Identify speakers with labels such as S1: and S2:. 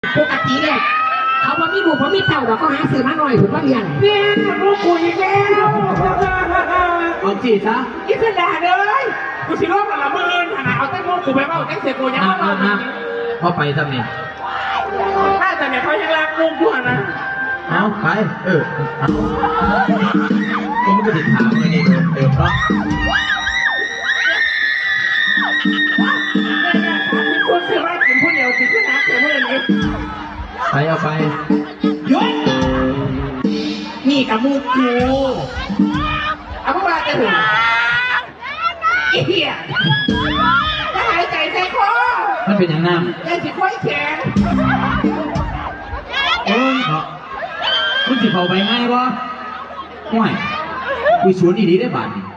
S1: ปกติเนี่ยเขาว่ามีลูกเพราะมีเต่าเราก็หาซื้อมาหน่อยถูกป่ะเนี่ย
S2: เนี่ยลูกกูอีกแล้ว
S3: เอาจีซะ
S2: อิสระเลยกูสิโลกกับละมืนขนาดเอาแต่โมกูไปว่าแจ็คเสกูยังว่า
S3: พอไปทำนี่
S2: ถ้าแต่เนี่ยเขายังรักลูกด้วยนะ
S3: เอาไปเอาผมก็ติดถามเลยนี่เพราะ
S2: คุณคือว่ากินผู้เดียวกินผู้นักแต่เมื่อนี้
S3: ไปเอาไป
S2: ยุ้ยนี่กับมูกูเอาพวกเราจะถึงเหี้ยจะหายใจใส่คอ
S3: มันเป็นอย่างนั้น
S2: ยังสิค่อยแข็ง
S3: คุณสิเขาไปง่ายวะห่วยคุยสวนดีๆได้บาทนี่